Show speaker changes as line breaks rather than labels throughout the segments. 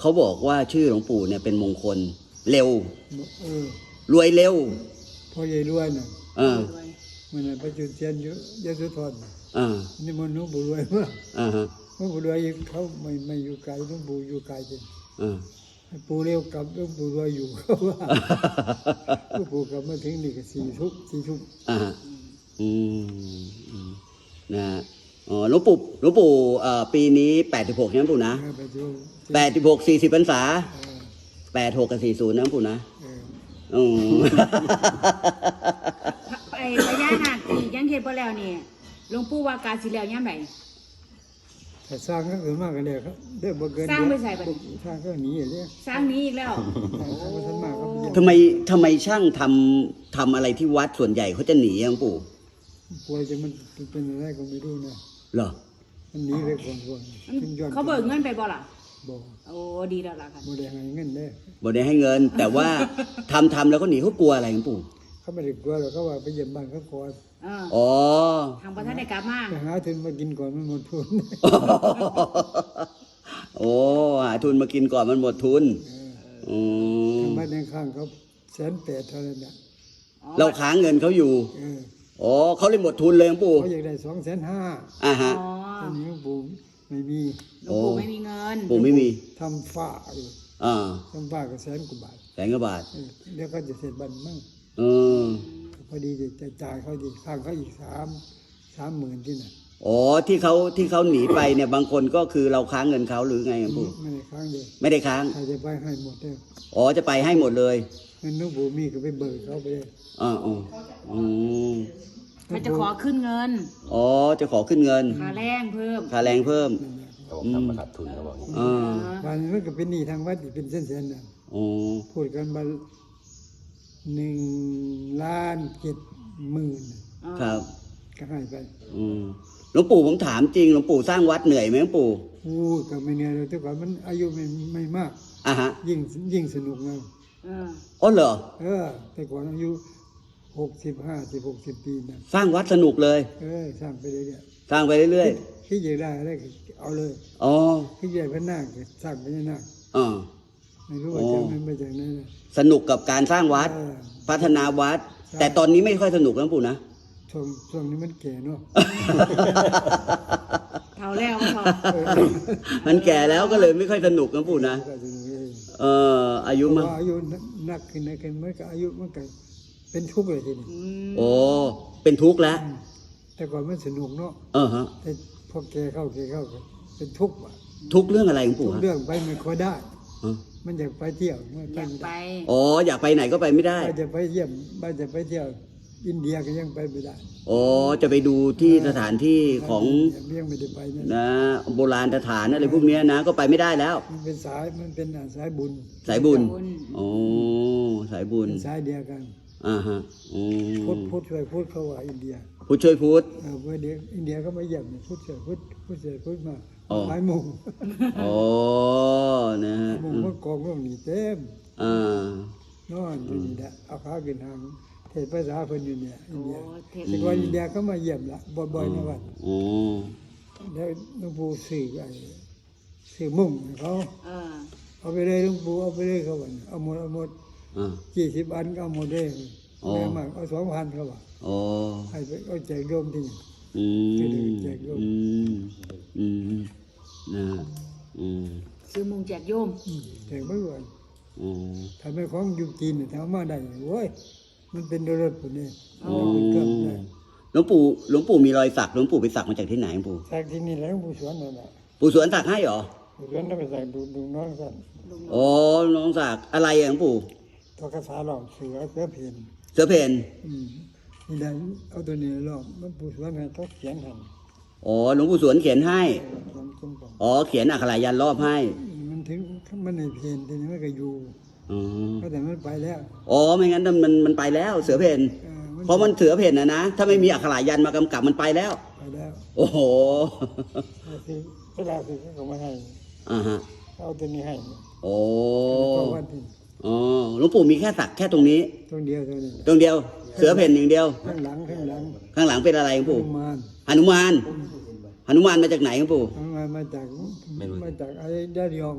เขาบอกว่าชื่อหลวงปู่เนี่ยเป็นมงคลเร็ว
เออ
รวยเร็ว
พ่อใหญ่รวยน่ะ
เออ
มันน่ะไปจุดเทียนอยู่ยโสธร นี่มันหลวงปู่รวยมาก
ฮะ
หลวงปู่รวยเขาไม่อยู่ไกลหลวงปู่อยู่ไกลจริง
อ่า
ให้ปู่เร็วกลับหลวงปู่รวยอยู่เขาว่าหลวงปู่กลับมาถึงนี่ก็4 ทุ่ม
อ่าฮะนะฮะอ๋อหลวงปู่ปีนี้86ใช่ไหมปู่นะ
ไปดู
86 40พรรษา86กับ40นะปู่นะ
ไอ้พญานาคที่ยังเฮ็ดบ่แล้วนี่หลวงปู่ว่าการสิแล้วยามใด
แต่สร้างก็เกิดมากกันเลยครับได้บ่เกิน
สร้างไปใส่บัด
สร้างก็หนีอย่างนี้
สร้างนี้อีกแล้ว
ท่านมากครับ
ทำไมช่างทำอะไรที่วัดส่วนใหญ่เขาจะหนีหลวงปู่
ป่วยจะมันเป็นอะไรก็ไม่รู้นะ
เหรอ
มันหนีไปก่อน
เขาเบิกเงินไปบ่ล่ะ
บอก
โอ้ดีแล้วล่ะค่ะ
บ่ได้ให้เงินได้
บ่ได้ให้เงิน แต่ว่าทำแล้วก็หนีเขากลัวอะไรหลวงปู่
เขาไม่ได้กลัวหรอกเขาว่าไปเยี่ยมบ้านเขาก่อน
อ๋อ
ทางประธานได้กลับมา
ไปหาทุนมากินก่อนมันหมดทุน
โอ้หาทุนมากินก่อนมันหมดทุน
ทางบ้านข้างเขา180,000เท่านั้นน่ะ
เราค้างเงินเขาอยู่อ๋อเขาเลยหมดทุนเลยหลวงปู่
เขาอยากได้250,000
ฮะ
อ๋อ
ตอนนี้ปู่ไม่มี
หลวงปู่ไม่มีเงิน
ปู่ไม่มี
ทำฝ้าอยู่ ทำฝ้าก็100,000 กว่าบาท
100,000 กว่าบาท
เดี๋ยวก็จะเสร็จบ้านมั่ง
เออ
พอดีจะจ่ายเขาดีข้างเขาอีก30,000ที่น่ะ
อ๋อที่เขาหนีไปเนี่ยบางคนก็คือเราค้างเงินเขาหรือไงหลวงปู่
ไม่ได้ค้างเดียว
ไม่ได้ค้าง
ใครจะไปให้หมดเลย
อ๋อจะไปให้หมดเลย
เงินน้องปู่มีก็ไปเบิกเขาไปเลย
มันจะขอขึ้นเงิน
อ๋อจะขอขึ้นเงิน
ค่าแรงเพิ่ม
ค่าแรงเพิ่ม
เขาบอกทำมาขาดทุนเขาบอกอย่างนี้
บ้านนี้มันก็เป็นหนี้ทางวัดอีกเป็นเส้นๆน่ะ
อ๋อ
พูดกันมา1,700,000
ครับ
ก็ให้ไป
หลวงปู่ผมถามจริงหลวงปู่สร้างวัดเหนื่อยไหมหลวงปู่
พูดก็ไม่เหนื่อยเลยแต่ก่อนมันอายุไม่มาก
ฮะ
ยิ่งสนุกนะ
อ๋อเหรอ
แต่ก่อนอายุ60 ปีนะ
สร้างวัดสนุกเลย
สร้างไปเรื่อย
สร้างไปเรื่อย
ๆคิดอยากได้อะไรก็เอาเลย
ๆอ๋อ
คิดอยากพระนาคก็สร้างพญานาค
อ๋อ
ไม่รู้ว่าจะมันมาจากไหนนะ
สนุกกับการสร้างวัด พัฒนาวัด แต่ตอนนี้ไม่ค่อยสนุกแล้วหลวงปู่นะ
ช่วงนี้มันแก่เนาะ
เท่าแล้วพอ
มันแก่แล้วก็เลยไม่ค่อยสนุกหลวงปู่นะ
ก็จะรู้เอง
อายุ
เพ
มา
ราะว่าอายุนักขึ้นมันก็อายุมันก็เป็นทุกข์เลยทีนี้
โอ้เป็นทุกข์แล้ว
แต่ก่อนมันสนุกเนาะ
ฮะ
แต่พอแก่เข้าก็เป็นทุกข์ว่ะ
ทุกข์เรื่องอะไรหลวง
ทุ
ปู่
ก
ฮะ
เรื่องไปไม่ค่อยได้
อ๋อ
มันอยากไปเที่ยวมัน
อยาก
ไม่
ไป
ได้
อ๋ออยากไปไหนก็ไปไม่ได้
บ้านจะไปเยี่ยมบ้านจะไปเที่ยวอินเดียก็ยังไปไม่ได้
อ๋อจะไปดูที่สถานที่ของ
ยังไม่ได้ไปนะ
นะโบราณสถานอะไรพวกเนี้ยนะก็ไปไม่ได้แล้ว
มันเป็นสายบุญ
สายบุญโอ้สายบุญ
เป็นสายเดียวกัน
ฮะ
พุทธช่วยพุทธเขาว่าอินเดีย
พุทธช่วยพุทธ
เมื่อเดียวอินเดียก็มาเยี่ยมพุทธช่วยพุทธช่วยพุทธมา
อ๋อ
หลายโมง
อ๋อนะฮะ
โมงก็กองร่วงนี่เต็ม
อ่าน
อนอยู่นี่แหละเอาขาขึ้นทางเทศภาษาเพิ่นอยู่เนี่ยอินเดีย
เทศ
แต่ก่อนอินเดียก็มาเยี่ยมละบ่อยๆนะวัด
อ๋อ
แล้วหลวงปู่สื่อมุ่งให้เขาเอาไปเลยหลวงปู่เอาไปเลยเขาว่าเอาหมด 20 อันก็เอาหมดเลยแม่มากเอา2,000เขาว่า
อ๋อ
ให้ไปเอาแจกโยมที่นี่ แจกโยม
นะฮะ
ซื้อมุงแจกโยม
แจกไม่ไหว
อ๋อ
ถ้าไม่ของอยู่จีนเนี่ยถ้าเอามาได้โว้ยมันเป็นรถปุ่นนี่
อ๋อ
เป็นเครื่องได้
หลวงปู่มีรอยสักหลวงปู่ไปสักมาจากที่ไหนหลวงปู่
จากที่นี่แหล้วผู้สวนนั่นแหละ
ปู่สวนสักให้เหรอ
ผู้สวนต้องไปใส่ดูน้องกัน
อ๋อน้องสักอะไรหลวงปู่
ตัวกระสาหลอกเสือเพน
เสือเพน
นี่แหละเอาตัวนี้หลอกมันผู้สวนให้เขาเขียนให้
อ๋อหลวงปู่สวนเขียนให้
เขียนขึ้นก่อน
อ๋อเขียนอักขระยันต์รอบให้
มันถึงมันในเพนทีนี้มันก็อยู่
อ๋อ
ก็แต่มันไปแล้ว
อ๋อไม่งั้นมันไปแล้วเสือเพนเพราะมันเสือเพนนะถ้าไม่มีอักขระยันต์มากำกับมันไปแล้ว
ไปแล้ว
โอ้โห
คือเวลาคือเขามาให้
ฮะ
เอาตัวนี้ให้
โอ้
เพราะว่าที่
อ๋อหลวงปู่มีแค่สักแค่ตรงนี้
ตรงเดียวเท่านี้
ตรงเดียวเสือเพนอย่างเดียว
ข้างหลัง
ข้างหลังเป็นอะไรหลวงปู่
มาน
หนุมานหนุมานมาจากไหนหลวงปู่
มาจากไอ้ดาริยอง
อ๋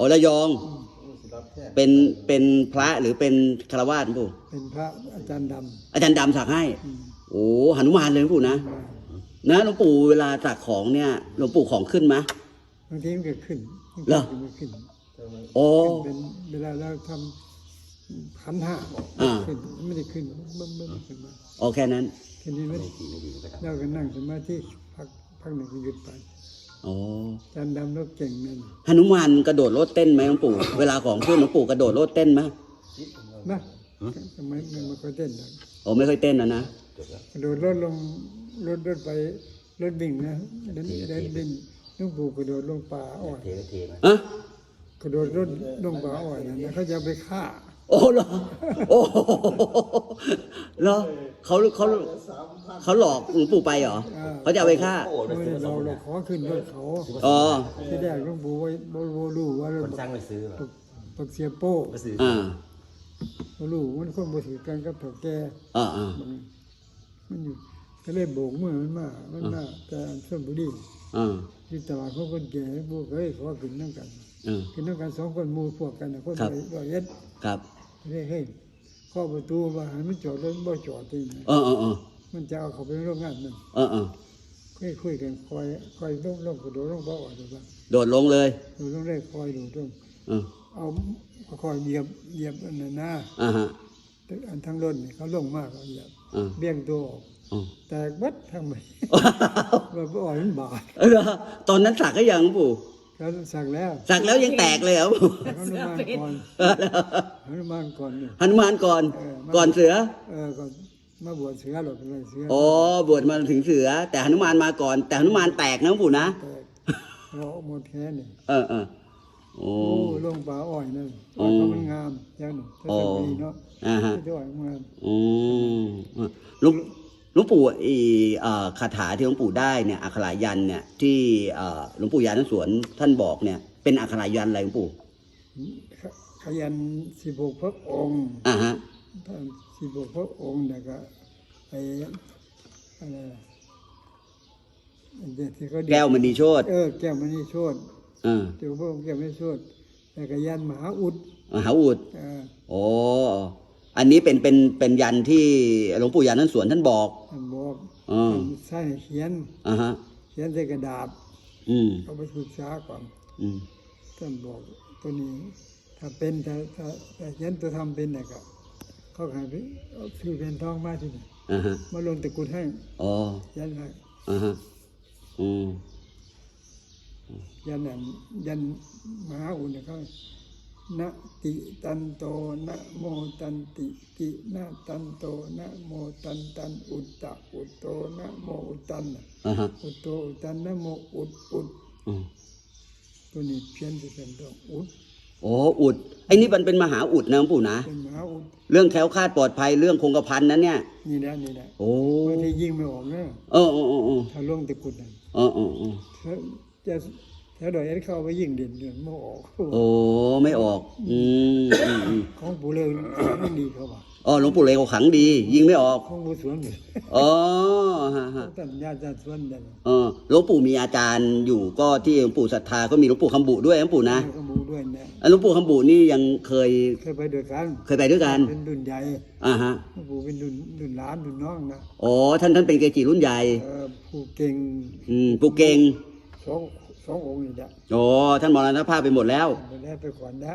อ๋อระยอง เป็นพระหรือเป็นฆราวาสหลวงปู่
เป็นพระอาจารย์ด
อาจารย์ดำสักให้ โอ้หนุมานเลยหลวงปู่นะ
ำ
นะหลวงปู่เวลาสักของเนี่ยหลวงปู่ของขึ้นไหม
บางทีมันก็ขึ้นบาง
เหรอ
ทีมันขึ้น
โอ้
เป็นเวลาเราทำขันธ์ห้า
อ่า
ขึ้นไม่ได้ขึ้นมันขึ้นมา
โอแค่นั้น
ทีนี้มันเราก็นั่งสมาธิพักหนึ่งก็หยุดไป
โอ้
อาจารย์ดำเราเก่งนั่น
หนุมานกระโดดโลดเต้นไหมหลวงปู่ เวลาของขึ้นหลวงปู่กระโดดโลดเต้นไหม
นะทำไมมันก็เต้นนะ
โอ้ไม่ค่อยเต้นนะ
กระโดดรถลงรถไปรถบิ่งนะเดินดินลูกปู่กระโดดลงป่าอ้อย
อะ
กระโดดรถลงป่าอ้อยนะเขาจะเอาไปฆ่า
โอ้เหรอโอ้โหเหรอเขาหลอกหลวงปู่ไปเหรอเขาจะเอาไปฆ่า
ไม่ได้เราขอขึ้นรถเขา
อ๋อ
ที่แรกหลวงปู่ไว้บ่รู้ว่าร
ค
ถ
นสร้างไปซื้อเหรอ
ปักเสียโป้
ไปซื้อ
อ่า
บ่รู้มันคนบ่ถือกันกับเฒ่าแก่
อ่า
มันอยู่ก็เลยโบกมือมันมาแต่อันส่วนบุรี
อ่า
ที่ตลาดเขาคนแก่พวกเอ้ยขอขึ้นนั่งกัน
อ่า
ขึ้นนั่งกัน2คนหมู่พวกกันน่ะคน
ครับ
ร้อยเอ็ด
ครับ
เฮ้ยเข้าประตูว่าให้มันจอดรถบ่จอดจริง
เออ
มันจะเอาเขาไปโรงงานนั่น
เออ
คุยกันคอยลงกระโดดลงบ่อดูว่า
โดดลงเลย
ดูต้องได้คอยดูต้อง
เออ
เอาคอยเหยียบอันนั้นนะ
อ่าฮะ
แต่อันทั้งรถนี่เขาลงมากเขาเหยียบ
อ่า
เบี้ยงตัวออก
อ๋อ
แตกเบัดทั้งใบว่าบ่อ่อยมันบาด
เออตอนนั้นสักก็ยังหลวงปู่
เขาสั่งแล้ว
สักแล้วยังแตกเลยเหรอหลวงปู่
หนุมานก่อนหนุมานก่อนเนี่ย
หนุมานก่อน ก่อนเสือ
ก่อนมาบวชเสือหรอกเลยเสือ
อ๋อบวชมาถึงเสือ แต่หนุมานมาก่อน แต่หนุมานแตกนะหลวงปู่นะ
แตกเราหมดแค่นี่
เออโอ้
โอ้ลงป่าอ้อยนั่นอ้อยเขามันงามอย่างหนึ่งถ้าจะดีเนาะ
อ่าฮะ
ถ้าจะอ้อยงาม
อืมหลวงปู่คาถาที่หลวงปู่ได้เนี่ยอักขรายันเนี่ยที่หลวงปู่ยานสวนท่านบอกเนี่ยเป็นอักขรายันอะไรหลวงปู่
ขยัน16พระองค์
อ่าฮะ
ท่าน16พระองค์แล้วก็ไอ้อะไรอันเดียวที่เขาดี
แก้วมณีโชต
แก้วมณีโชติ
อ่า
เจ้าพระองค์แก้วมณีโชติแล้วก็ยันมหาอุด
มหาอุด
เออ
โอ้อันนี้เป็นยันที่หลวงปู่ยานสวนท่านบอก
ท่านบอก
อ๋อ
ท่านใส่เขียน
อ่าฮะ
เขียนใส่กระดาษ
อืม
เอาไปศึกษาก่อน
อืม
ท่านบอกตัวนี้ ถ้าเป็นถ้าเขียนตัวทำเป็นเนี่ยก็เขาขายไปเอาซื้อเป็นทองมาที่นี่
อ่าฮะ
มาลงตะกรุดให้
อ๋อ
ยันให้
อ่าฮะอืม
ยันนั่นยันมหาอุดเนี่ยเขานะติตันโตนะโมตันติกินะตันโตนะโมตันอุตตะอุตโตนะโมอุตตันน่ะ
อ่าฮะ
อุตโตอุตตันนะโมอุด
อืม
ตัวนี้เพี้ยนจะเป็นดอกอุด
โอ้อุดไอ้นี่มันเป็นมหาอุดนะหลวงปู่นะ
เป็นมหาอุด
เรื่องแคล้วคลาดปลอดภัยเรื่องคงกระพันนั้นเนี่ย
นี่แหละ
โอ้
บางทียิงไม่ออกนะ
เออ
ถ้าลงตะกรุดนั่น ถ้าจะถ้าดอยเอ็ดเข้าไปยิงเด่นไม่ออก
โอ้ไม่ออกอืม
ของปู่เลยไม่ดีเขาบอก
อ๋อหลวงปู่เลยเขาขังดี ยิงไม่ออก
ของปู่สวนเลย
อ๋อฮะ
ตัญญาจัดสวนนั่น
หลวงปู่มีอาจารย์อยู่ก็ที่หลวงปู่ศรัทธาก็มีหลวงปู่คำบุด้วยหลวงปู่นะ
ก็ปู่ด้วยนะ
หลวงปู่คำบุนี่ยังเคย
เคยไปด้วยกัน
ไปด้วยกัน
เป็นรุ่นใหญ่
อ่าฮะ
หลวงปู่เป็นรุ่นหลานรุ่นน้องนะ
อ๋อท่านเป็นเกจิรุ่นใหญ่
ผู้เก่ง
ปู่เก่ง
สององค์นี่แหละ
อ๋อท่านมรณภาพไปหมดแล้ว
ไปแล้วไปก่อนนะ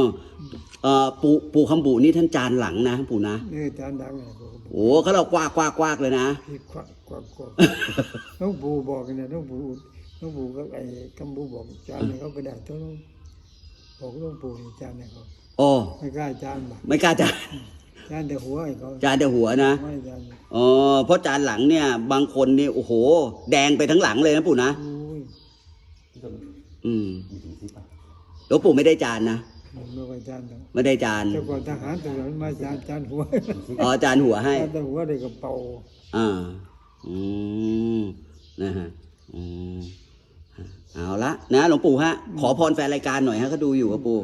ปู่คำบุนี่ท่านจานหลังนะปู่นะ
นี่อาจารย์ดังไงบอก
โอ้เขาเรากว้ากเลยนะ
พี่ควักน้องปู่บอกกันเนี่ยน้องปู่ก็ไอ้คำปู่บอกอาจารย์เนี่ยเขาไปได้ตัวน้องบอกน้องปู่อาจารย์เนี่ยเขา
โอ้
ไม่กล้าอาจารย์บอก
ไม่กล้าจาน
อาจารย์แต่หัวไอ้เขา
จานแต่หัวนะ
ไม่อาจารย์
อ๋อเพราะจานหลังเนี่ย บางคนนี่โอ้โห แดงไปทั้งหลังเลยนะปู่นะ
โอ้ย
อืม
มีถึงที่ปะ
หลวงปู่ไม่ได้จานนะ
ไม่ว่าอาจารย์หรอก
ไม่ได้จาน
แต่ก่อนทหารตัวนั้นมาอาจารย์หัว
อ๋อจานหัวให้
อาจารย์แต่หัวได้กระเป๋า
อ่าอืมนะฮะอืมเอาละนะหลวงปู่ฮะ ขอพรแฟนรายการหน่อยฮะเขาดูอยู่ครับปู่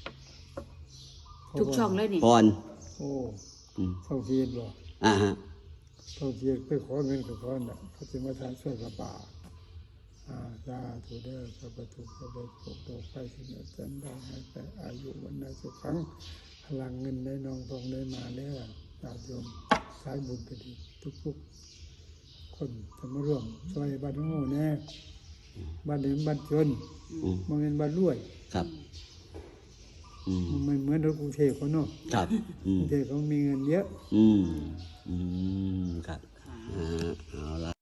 ทุกช่องเลยนี่
พร
โอ้
อืม
เข้าเทียนบอก
ฮะ
เข้าเทียนไปขอเงินกับเขาน่ะเขาจะมาทานช่วยกับป่าสาธุเด้อสัพพทุกข์สัพพโศกโรคภัยสิ้นสันได้ให้แต่อายุวันนาสุขังพลังเงินได้นองทองได้มาแล้วญาติโยมสายบุญก็ดีทุกๆคนจะมาร่วมช่วยบ้านโง่แน่บ้านเดิมบ้านจนมันเป็นบ้านรวย
ครับ
มันไม่เหมือนรถกรุงเทพเขาเนาะ
ครับ
กรุงเทพเขามีเงินเยอะ
ครับเอาละ